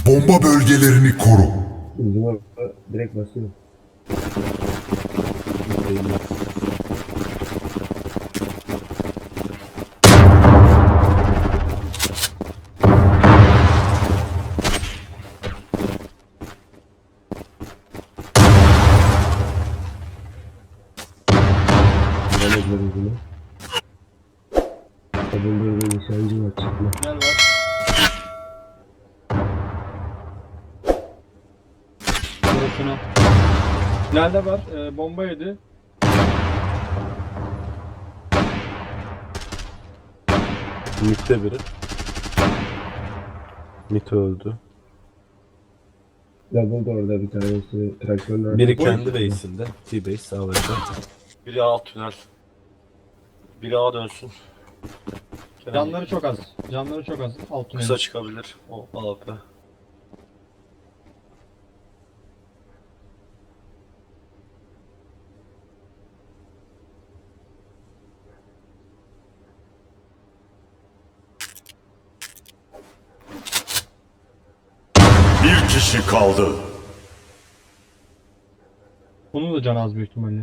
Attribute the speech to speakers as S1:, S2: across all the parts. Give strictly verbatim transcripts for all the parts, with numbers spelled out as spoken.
S1: Bomba bölgelerini koru.
S2: Uzuma direkt basıyorum. Bulundurduğum uzuma. Bulundurduğum nişancı var, çıkma.
S3: Tünel var. Burası tünel. Tünelde var. E, bomba yedi.
S4: Mid'de biri. Mid öldü.
S2: Double da orada bir tanesi traktörün arkasında.
S4: Biri kendi base'inde. T-base A W P.
S5: Biri alt tünel. Biri A dönsün. Kenan
S3: Canları çok az. Canları çok az. Alt tünel.
S5: kısa çıkabilir. O A W P.
S1: Bir kişi kaldı.
S3: Bunun da canı az büyük ihtimalle.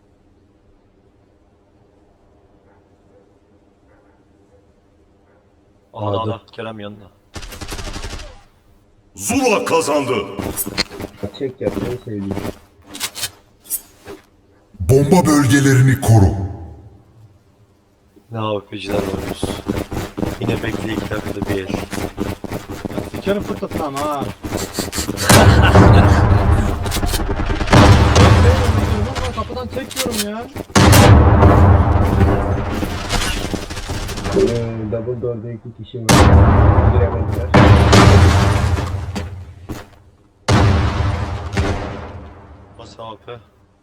S5: A'da
S4: A'da.
S5: A'da. Kerem yanında.
S1: Zula kazandı.
S2: Çek yapmayı sevdiğim.
S1: Bomba bölgelerini koru.
S5: Ne A W P'ciler oynuyoruz. Yine bekle iki dakikada bir el.
S3: Sikerim fırtatın ama ha. Ben kapıdan çekiyorum ya.
S2: Ee, double door'da iki kişi var. Giremediler.
S5: Bas A W P.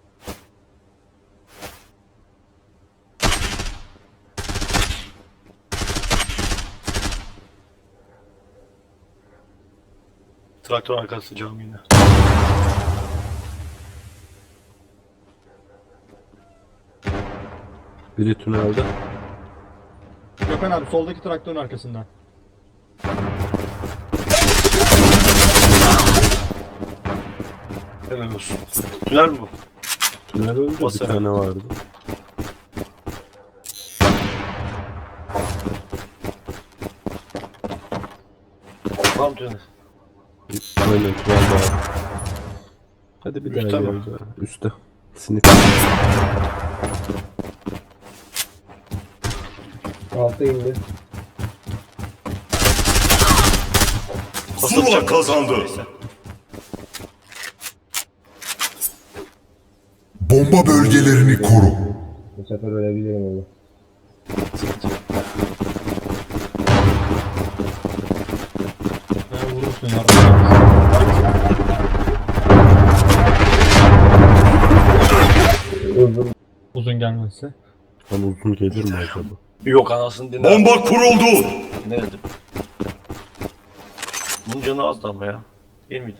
S5: Traktör arkası cam yine.
S4: Biri tünelde.
S3: Gökhan abi soldaki traktörün arkasında.
S5: Helal olsun. Tünel mi bu?
S4: Tünel öldü. Bir
S5: Basar.
S4: tane vardı.
S5: Tam tünel.
S4: Aynen tünel var. Hadi bir
S5: Üstte
S4: daha
S5: mi?
S4: geldi. Üstte. Sinip.
S2: Alta indi.
S1: Zula kazandı. Bomba bölgelerini koru.
S2: Bu sefer ölebilirim ama.
S3: Ben vurursun ya.
S2: Uzun.
S3: Uzun gelmezse.
S4: Tam uzun gelir mi acaba?
S5: Yok anasını dinle.
S1: Bomba kuruldu.
S5: Ne dedim? Bunun canı azdı ama ya. Değil miydi?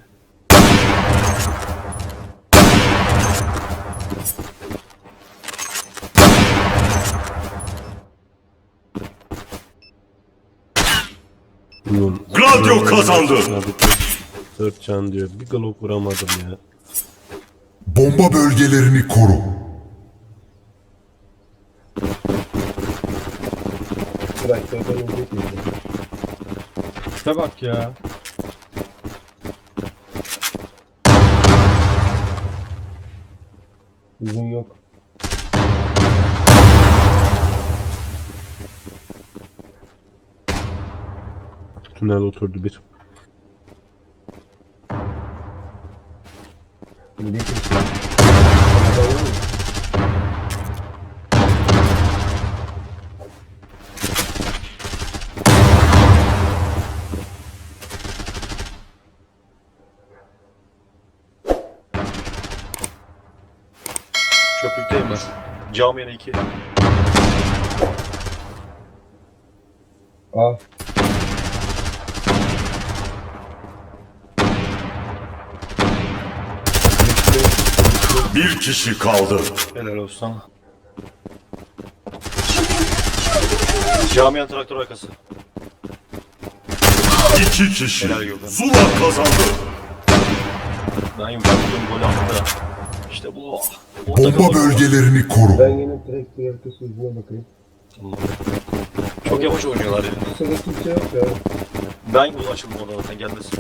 S4: Bilmiyorum.
S1: Gladio kazandı.
S4: Dört can diyor. Bir glock vuramadım ya.
S1: Bomba bölgelerini koru.
S2: Traktörden inecek miydi?
S3: İşte bak ya.
S2: Uzun yok.
S4: Tünel oturdu bir.
S2: Bir kişi.
S5: Çöplükteyim ben. Cam yine iki.
S2: Aa.
S1: Bir kişi kaldı.
S5: Helal olsun sana. Camiyen traktör arkası.
S1: İki kişi.
S5: Helal Gökhan.
S1: Zula kazandı.
S5: Ben yumuşattım gol attı. İşte bu. O
S1: Bomba
S5: takım-
S1: bölgelerini koru.
S2: Ben yine direkt bir arkası yüzüne bakayım.
S5: Tamam. Çok yavaş oynuyorlar ya.
S2: Sırada kimse yok ya.
S5: Ben bu açıldım oradan zaten gelmesin.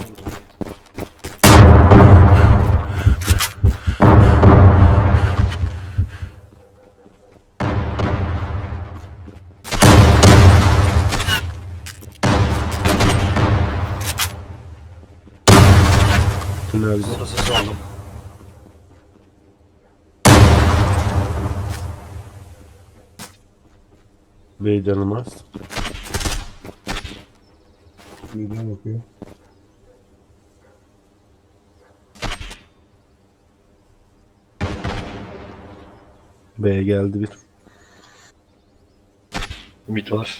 S4: Tünelde.
S5: Burada ses aldım.
S4: Bey canım az.
S2: Yüzüne bakıyor.
S4: B'ye geldi bir.
S5: Ümit var.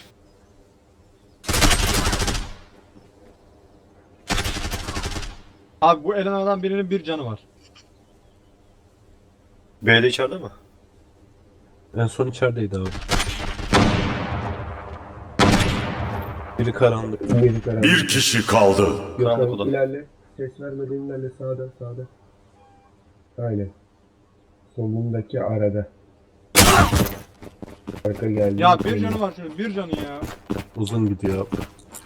S3: Abi bu elenlerden birinin bir canı var.
S5: B'de içeride mi?
S4: En son içerideydi abi. Biri karanlık.
S2: Biri karar.
S1: Bir kişi kaldı.
S5: Karanlık
S2: Gökhan
S5: oda.
S2: ilerle. Ses vermeden ilerle sağda sağda. Aynen. Solundaki arada. Arka geldi.
S3: Ya bir canı var şöyle bir canı ya.
S4: Uzun gidiyor abi.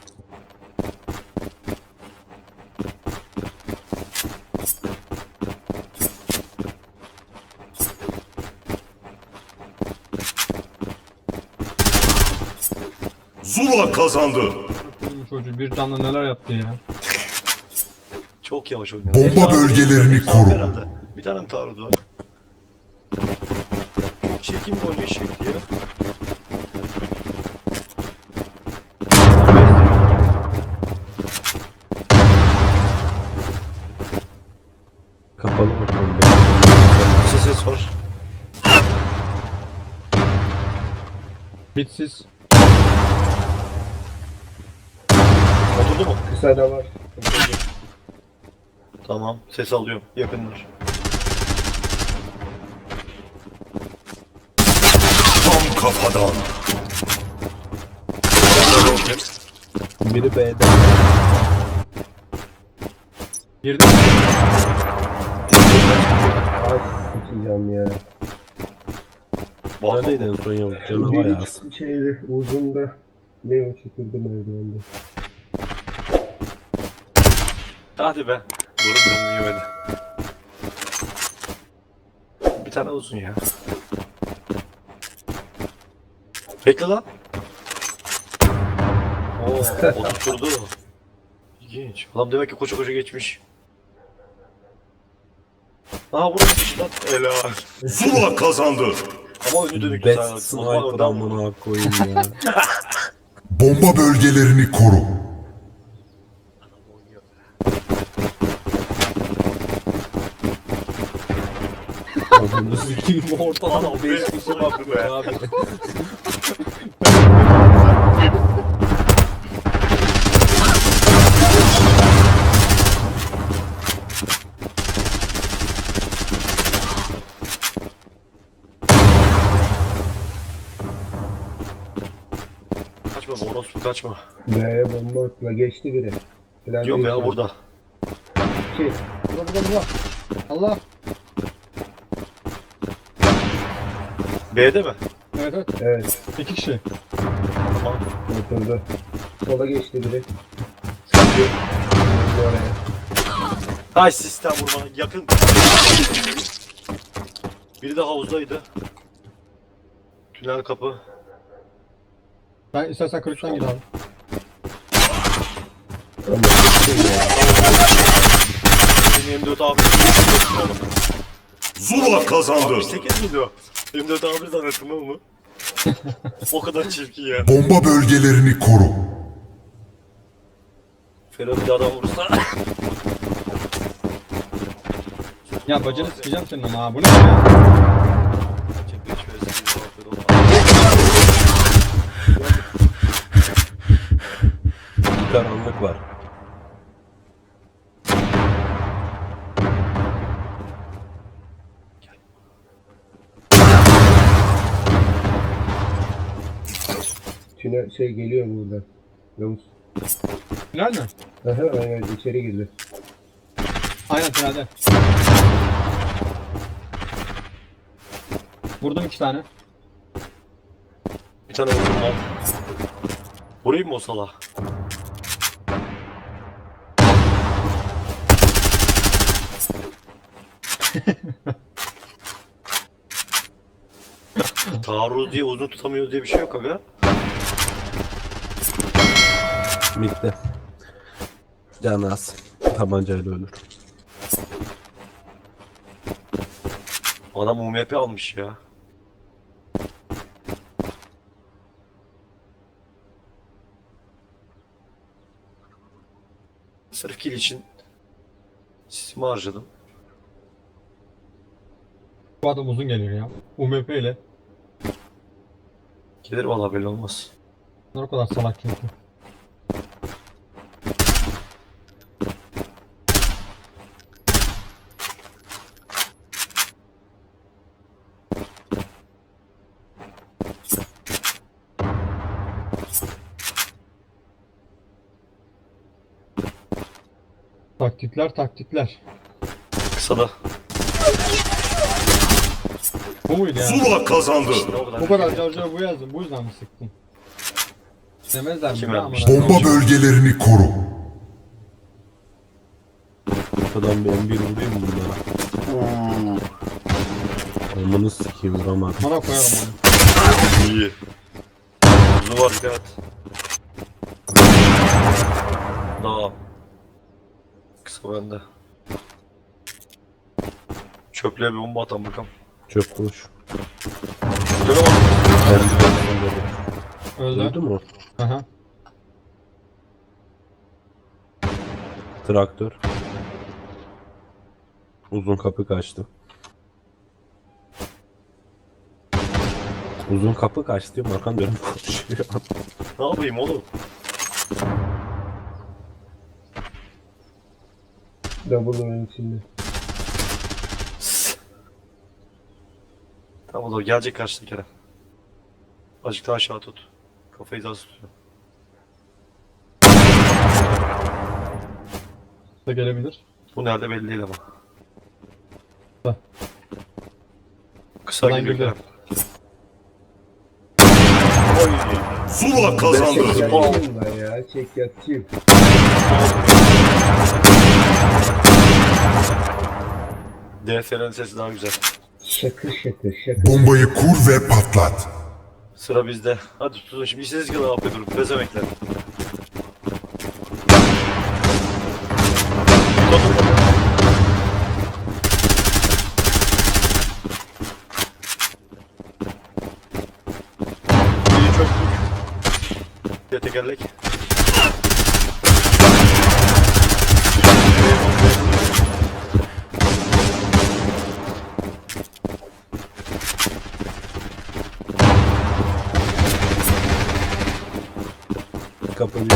S1: Zula kazandı.
S3: Bu çocuğu bir canla neler yaptı ya.
S5: Çok yavaş oynuyor.
S1: Bomba
S5: Hepsi
S1: bölgelerini
S5: hepsi
S1: koru.
S5: herhalde. Bir tane mi taarruz var? Çok çirkin bir oynayış şekli ya.
S4: Kapalı bakalım.
S5: Ses ses var.
S3: Bitsiz.
S5: Oturdu mu?
S2: Kısa da var.
S5: Tamam. Ses alıyorum. Yakınlar.
S1: Tam kafadan.
S4: Biri B'de.
S3: Girdi.
S2: Az sıçacağım ya.
S4: Neredeydi en son yavuz? Canı bayağı az.
S2: Bir şeydi uzunda. Ne o çıkırdı merdivende.
S5: Hadi be. Vurun beni yemedi. Bir tane uzun ya. Bekle lan. Oo, oturtturdu. İlginç. Adam demek ki koşa koşa geçmiş. Aa vurmuş lan. Helal.
S1: Zula kazandı.
S5: Ama önü dönük.
S4: Bet
S5: Sen-
S4: sniper
S5: Osman önden vurdu.
S4: amına koyayım ya.
S1: Bomba bölgelerini koru.
S4: Adını sikeyim ortadan
S5: Adam beş kişi baktı be.
S4: abi.
S5: Kaçma be orospu kaçma.
S2: B'ye bomba atla geçti biri. Plan
S5: Diyorum
S2: değil.
S5: ya burada.
S2: İki.
S3: Burada burada burada. Allah.
S5: B'de mi?
S3: Evet evet.
S2: Evet.
S3: İki kişi.
S5: Tamam.
S2: Oturdu. Sola geçti biri. Oraya.
S5: Ay sistem vurma yakın. Biri de havuzdaydı. Tünel kapı.
S3: Ben istersen kırıktan gir abi.
S5: Benim yirmi dört abi.
S1: Zula kazandı.
S5: sekiz miydi o? yirmi dört abi zannettim ama. O kadar çirkin ya.
S1: Bomba bölgelerini koru.
S5: Ferhat bir adam vurursa.
S3: Ya bacını sikeceğim senin ama ha bu ne ya?
S4: Bir karanlık var.
S2: Tünel şey geliyor buradan. Yavuz.
S3: Tünel mi?
S2: Aha, aynen içeri girdi.
S3: Aynen tünelde. Vurdum iki tane.
S5: Bir tane vurdum lan. Vurayım mı o sala? Taarruz diye uzun tutamıyor diye bir şey yok aga.
S4: Bitti. Canı az. Tabancayla ölür.
S5: Adam U M P almış ya. Sırf kill için sisimi harcadım.
S3: Bu adam uzun geliyor ya. U M P ile.
S5: Gelir valla belli olmaz.
S3: Bunlar o kadar salak çünkü. Taktikler taktikler.
S5: Kısada.
S3: Bu muydu yani?
S1: Zula kazandı.
S5: İşte o kadar.
S3: Bu kadar carcar bu yazdım. Bu yüzden mi sıktın? Demezler mi?
S5: Kim
S3: ya
S5: vermiş?
S3: amına
S1: Bomba
S3: koyayım?
S1: bölgelerini koru.
S4: Arkadan bir M bir vurayım mı bunlara? Amını sikeyim vuramadım.
S3: Bana koyarım onu.
S5: İyi. Kuzu var dikkat. Daha. Kısa bende. Çöplüğe bir bomba atan bakalım.
S4: Çöp koş.
S5: Döne bak.
S4: M bir
S3: Öldü.
S4: öldü mü?
S3: Aha.
S4: Traktör. Uzun kapı kaçtı. Uzun kapı kaçtı diyorum. Arkan dönüp konuşuyor.
S5: Ne yapayım oğlum?
S2: Double oyun içinde.
S5: Tamam o gelecek karşıda Kerem. Azıcık daha aşağı tut. Kafayı daha tutuyor.
S3: Da gelebilir.
S5: Bu nerede belli değil ama.
S3: Heh.
S5: Kısa
S3: Ulan
S5: geliyor
S3: geliyor.
S5: Kerem.
S1: Zula kazandı.
S2: Çek yatçıyım ben ya. Çek yatçıyım.
S5: D F R'nin sesi daha güzel.
S2: Şakır şakır şakır.
S1: Bombayı kur ve patlat.
S5: Sıra bizde. Hadi tutun şimdi işiniz gibi afiyet olsun. Bezemekler. İyi çöktük. Bir tekerlek.
S4: Kapı bir.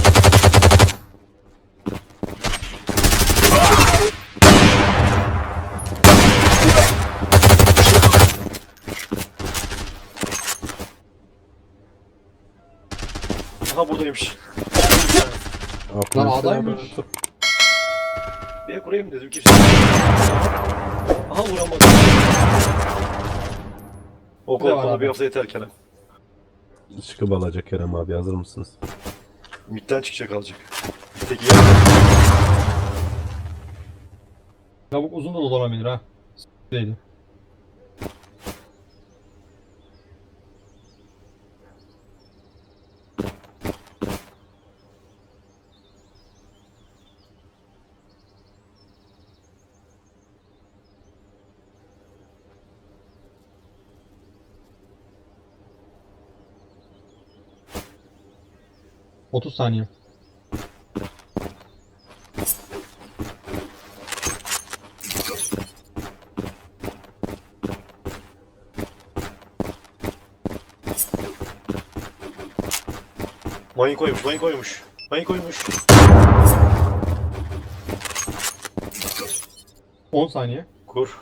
S5: Aha buradaymış.
S3: Lan
S4: Aklını
S3: adaymış.
S4: sen-
S5: Bir kurayım dedim kimse. Aha vuramadım. O
S3: Bir de var
S5: kolpada
S3: abi.
S5: bir hafta yeter Kerem.
S4: Çıkıp alacak Kerem abi, hazır mısınız?
S5: Midden çıkacak alacak. Peki ya.
S3: Lavuk uzun da dolanabilir ha. Değilim. otuz saniye.
S5: Mayın koymuş, mayın koymuş. Mayın koymuş.
S3: on saniye.
S5: Kur.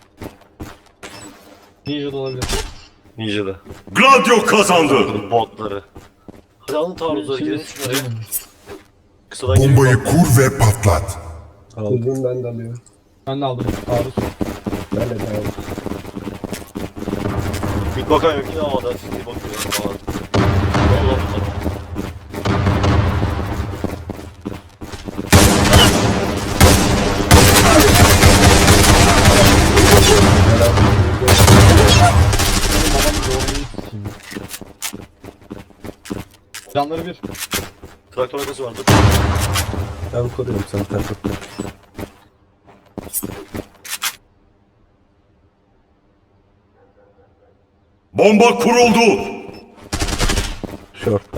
S3: Ninja da olabilir.
S5: Ninja'da.
S1: Gladio kazandı.
S5: Botları. Hadi alın taarruzları
S3: Şimdi
S5: gidelim şunlara. Kısadan geliyor.
S1: Bombayı kur ve patlat.
S4: Aldım.
S2: Uzun ben de alıyorum.
S3: Ben de aldım. Taarruz.
S2: Ben de devam.
S5: Bir bakan yok yine havada. Siktir bakıyor. Havada. Allah Allah.
S3: Canları bir.
S5: Traktör arkası vardı.
S4: Ben koruyorum sen takip et.
S1: Bomba kuruldu.
S4: Short'ta.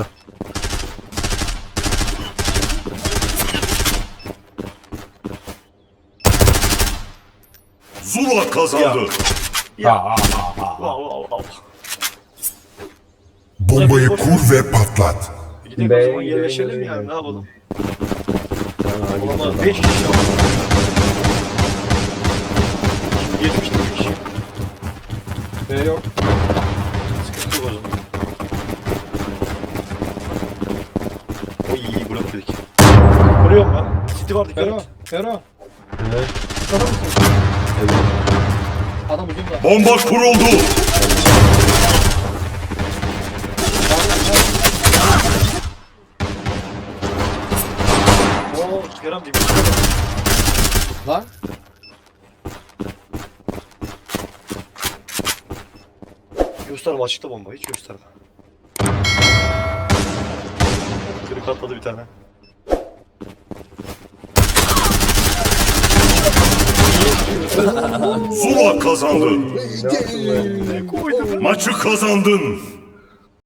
S1: Zula kazandı.
S5: Wow wow wow.
S1: Bombayı kur ve patlat.
S5: Gidelim o
S2: B'ye
S5: zaman
S2: gidelim,
S5: yerleşelim
S2: gidelim.
S5: yani ne yapalım.
S4: Ha, git
S5: Olamaz
S4: adam.
S5: beş kişi var. yetmiş kişi.
S3: B yok.
S5: Sıkıntı yok o zaman. O iyi iyi blok dedik. Vuruyorum ben. City var dikkat
S3: Fero.
S5: et.
S3: Fero.
S4: Ne?
S3: Sana mısın?
S4: Evet.
S3: Adam ucunda.
S1: Bomba kuruldu.
S5: Oo Kerem dibine.
S3: Lan.
S5: Gösterme açıkta bomba hiç gösterme. Kırık atladı bir tane.
S1: Zula kazandı.
S2: Ne yaptın lan?
S5: Ne koydum?
S1: Maçı kazandın.